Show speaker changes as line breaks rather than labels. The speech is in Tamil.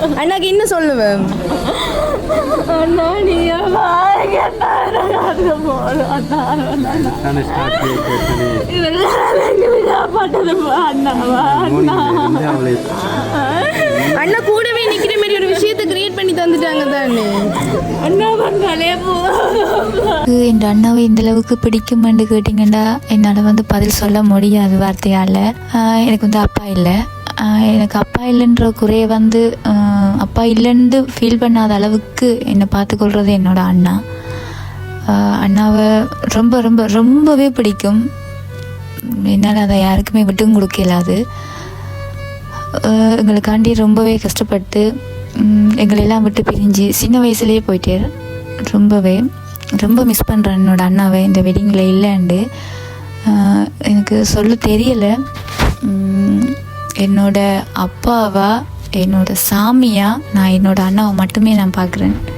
அண்ணாக்கு இன்னும் சொல்லுவேன்
அண்ணா நீங்க பாருங்க
அண்ணா கூடவே நிக்கிற மாதிரி ஒரு விஷயத்தை கிரியேட் பண்ணி தந்துட்டாங்க தானே.
அண்ணா வந்தாலே
என் அண்ணாவை இந்த அளவுக்கு பிடிக்குமென்று கேட்டிங்கன்னா என்னால் பதில் சொல்ல முடியாது வார்த்தையால். எனக்கு அப்பா இல்லை. எனக்கு அப்பா இல்லைன்ற குறைய அப்பா இல்லைன்னு ஃபீல் பண்ணாத அளவுக்கு என்னை பார்த்துக்கொள்கிறது என்னோடய அண்ணா. அண்ணாவை ரொம்ப ரொம்ப ரொம்பவே பிடிக்கும். என்னால் அதை யாருக்குமே விட்டும் கொடுக்க இயலாது. எங்களுக்காண்டி ரொம்பவே கஷ்டப்பட்டு எங்களெல்லாம் விட்டு பிரிஞ்சு சின்ன வயசுலேயே போயிட்டார். ரொம்ப மிஸ் பண்ணுறேன் என்னோடய அண்ணாவை இந்த வெட்டிங்கில் இல்லைண்டு. எனக்கு சொல்ல தெரியலை. என்னோட அப்பாவா என்னோட சாமியாக நான் என்னோடய அண்ணாவை மட்டுமே நான் பார்க்குறேன்.